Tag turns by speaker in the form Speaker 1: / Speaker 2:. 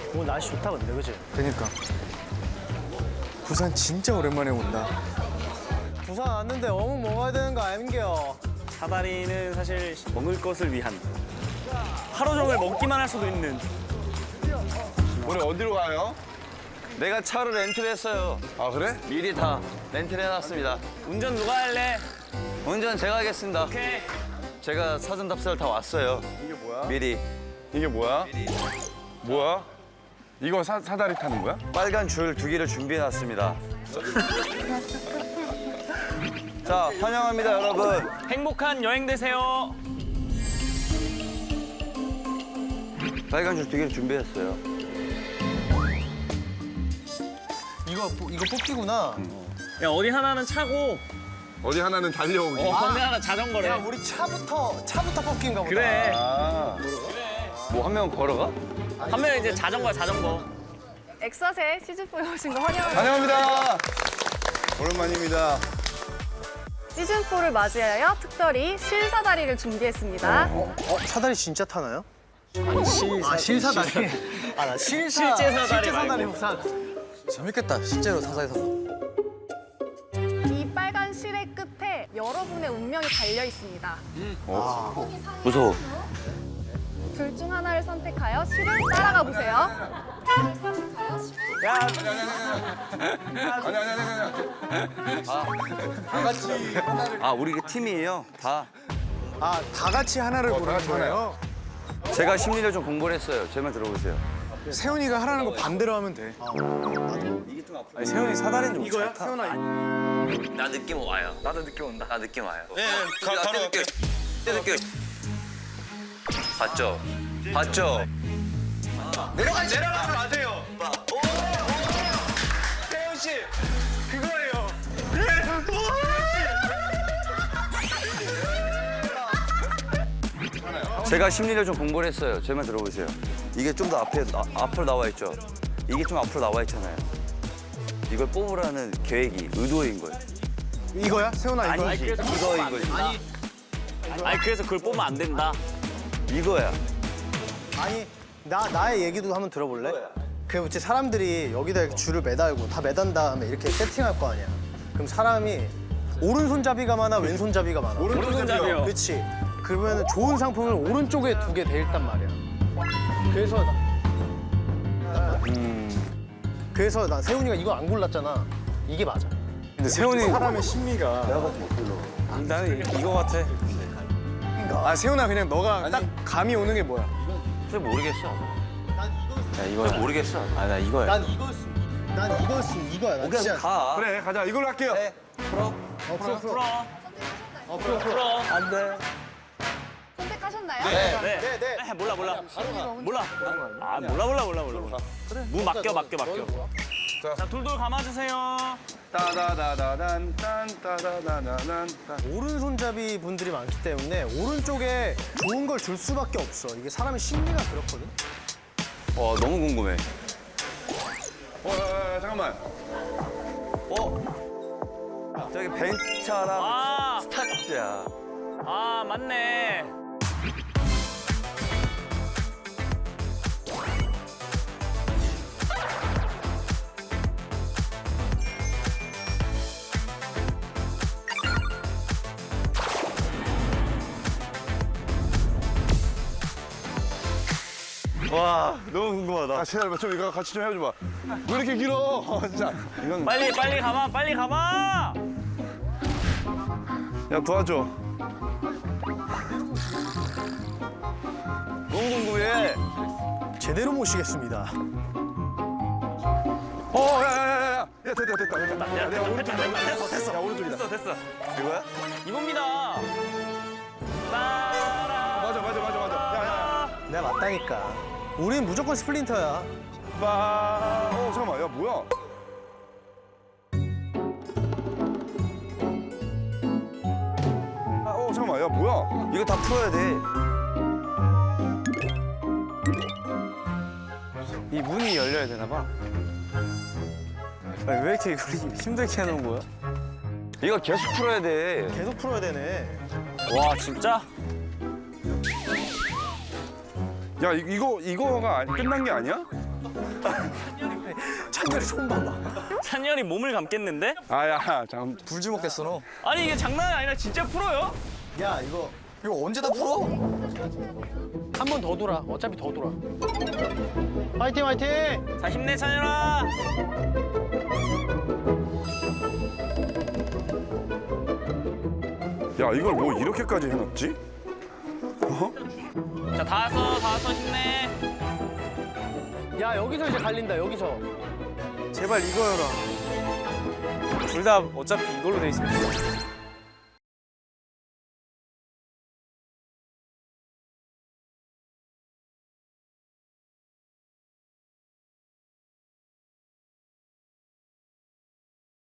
Speaker 1: 오늘 날씨 좋다 근데 그지?
Speaker 2: 그니까. 부산 진짜 오랜만에 온다.
Speaker 1: 부산 왔는데 어묵 먹어야 되는 거 아닌겨?
Speaker 3: 사다리는 사실 먹을 것을 위한 하루 종일 먹기만 할 수도 있는.
Speaker 4: 오늘 어디로 가요?
Speaker 5: 내가 차를 렌트를 했어요.
Speaker 4: 아 그래?
Speaker 5: 미리 다 렌트를 해놨습니다.
Speaker 3: 운전 누가 할래?
Speaker 5: 운전 제가 하겠습니다.
Speaker 3: 오케이.
Speaker 5: 제가 사전 답사를 다 왔어요.
Speaker 4: 이게 뭐야?
Speaker 5: 미리.
Speaker 4: 이게 뭐야? 뭐야? 이거 사다리 타는 거야?
Speaker 5: 빨간 줄 2개를 준비해놨습니다. 자, 환영합니다, 여러분.
Speaker 3: 행복한 여행 되세요.
Speaker 5: 빨간 줄 2개를 준비했어요.
Speaker 1: 이거 뽑기구나.
Speaker 3: 야 어디 하나는 차고
Speaker 4: 어디 하나는 달려오기.
Speaker 3: 어디 하나 자전거래.
Speaker 1: 야 우리 차부터 뽑기인가 보다.
Speaker 3: 그래.
Speaker 4: 아.
Speaker 5: 뭐 한 명 걸어가?
Speaker 3: 한 명은 이제 자전거야 자전거.
Speaker 6: 엑서세 시즌4에 오신 거 환영합니다.
Speaker 4: 환영합니다. 오랜만입니다.
Speaker 6: 시즌4를 맞이하여 특별히 실사다리를 준비했습니다.
Speaker 1: 사다리 진짜 타나요? 실사다리. 나
Speaker 3: 실제 사다리
Speaker 1: 사다리
Speaker 3: 말고.
Speaker 1: 부산.
Speaker 2: 재밌겠다. 실제로 사사에서.
Speaker 6: 이 빨간 실의 끝에 여러분의 운명이 달려 있습니다.
Speaker 5: 무서워.
Speaker 6: 둘 중 하나를 선택하여 실을 따라가 보세요.
Speaker 5: 아, 우리 그 팀이에요. 다.
Speaker 2: 다 같이 하나를
Speaker 4: 다
Speaker 2: 고르는
Speaker 4: 같이
Speaker 2: 거예요?
Speaker 5: 제가 심리를 좀 공부를 했어요. 제 말 들어보세요.
Speaker 2: 세훈이가 하라는 거 반대로 하면 돼. 아니, 세훈이 사다리는 좀
Speaker 1: 이거야?
Speaker 2: 잘 타.
Speaker 1: 세훈아.
Speaker 5: 나 느낌 와요.
Speaker 3: 나도 느낌 온다.
Speaker 5: 나 느낌 와요.
Speaker 4: 네, 바로
Speaker 5: 느낌. 느낌. 봤죠? 봤죠?
Speaker 3: 내려가지 마세요. 태훈 씨 그거예요.
Speaker 5: 제가 심리를 좀 공부를 했어요. 제 말 들어보세요. 이게 좀 더 앞으로 나와 있죠? 이게 좀 앞으로 나와 있잖아요. 이걸 뽑으라는 계획이, 의도인 거예요.
Speaker 1: 이거야? 세훈아 이거.
Speaker 3: 아니 그래서
Speaker 5: 이거인 거지.
Speaker 3: 아니 그래서 그걸 뽑으면 안 된다.
Speaker 5: 이거야.
Speaker 1: 아니 나의 얘기도 한번 들어볼래? 그 이제 사람들이 여기다 이렇게 줄을 매달고 다 매단 다음에 이렇게 세팅할 거 아니야. 그럼 사람이 오른손잡이가 많아 왼손잡이가 많아.
Speaker 3: 오른손잡이요.
Speaker 1: 그렇지. 그러면 좋은 상품을 오른쪽에 2개 돼 있단 말이야. 그래서 나 세훈이가 이거 안 골랐잖아. 이게 맞아.
Speaker 2: 근데 세훈이
Speaker 1: 사람의 심리가.
Speaker 2: 나는 이거 같아. 아 세훈아 그냥 너가 딱 감이 오는 게 뭐야?
Speaker 5: 잘 모르겠어.
Speaker 2: 야 이거야.
Speaker 5: 잘 모르겠어.
Speaker 2: 아 나 이거야.
Speaker 1: 난 이거였으면 이거야. 난
Speaker 5: 그냥
Speaker 1: 진짜.
Speaker 5: 가.
Speaker 4: 그래 가자. 이걸로 할게요.
Speaker 1: 풀어.
Speaker 3: 풀어.
Speaker 1: 안 돼.
Speaker 6: 선택하셨나요?
Speaker 3: 네. 몰라. 몰라. 무 맡겨. 자 둘둘 감아주세요.
Speaker 4: 따다다다단 딴따다다다단 딴.
Speaker 1: 오른손잡이 분들이 많기 때문에 오른쪽에 좋은 걸 줄 수밖에 없어. 이게 사람의 심리가 그렇거든.
Speaker 5: 와, 너무 궁금해.
Speaker 4: 잠깐만.
Speaker 5: 저기 벤차랑
Speaker 3: 아,
Speaker 5: 스타트야.
Speaker 3: 아 맞네.
Speaker 5: 와, 너무 궁금하다.
Speaker 4: 아 제발 좀 이거 같이 좀 해줘봐. 왜 이렇게 길어? 진짜. 이건
Speaker 3: 빨리 감아.
Speaker 4: 야 도와줘.
Speaker 5: 너무 궁금해.
Speaker 1: 제대로 모시겠습니다.
Speaker 4: 야야야야야. 야 됐다.
Speaker 3: 야, 됐어.
Speaker 4: 야 오른쪽이다.
Speaker 3: 됐어.
Speaker 5: 이거야?
Speaker 3: 이겁니다. 따라.
Speaker 4: 맞아. 야야.
Speaker 1: 내가 맞다니까. 우린 무조건 스플린터야.
Speaker 4: 잠깐만. 야 뭐야? 잠깐만. 야 뭐야?
Speaker 5: 이거 다 풀어야 돼.
Speaker 2: 이 문이 열려야 되나 봐. 아니, 왜 이렇게 우리 힘들게 해놓은 거야?
Speaker 5: 이거 계속 풀어야 돼.
Speaker 1: 계속 풀어야 되네.
Speaker 3: 와 진짜?
Speaker 4: 야 이거가 끝난 게 아니야?
Speaker 1: 찬열이 손 봐봐.
Speaker 3: 찬열이 몸을 감겠는데?
Speaker 4: 아야 잠.
Speaker 2: 불주먹 됐어 너.
Speaker 3: 아니 이게 장난이 아니라 진짜 풀어요?
Speaker 1: 야 이거
Speaker 2: 이거 언제 다 풀어?
Speaker 1: 한 번 더 돌아. 어차피 더 돌아. 화이팅 화이팅.
Speaker 3: 자 힘내 찬열아.
Speaker 4: 야 이걸 뭐 이렇게까지 해놨지?
Speaker 3: 자 다 왔어 힘내.
Speaker 1: 야 여기서 이제 갈린다 여기서.
Speaker 2: 제발 이거여라.
Speaker 3: 둘 다 어차피 이걸로 돼 있으면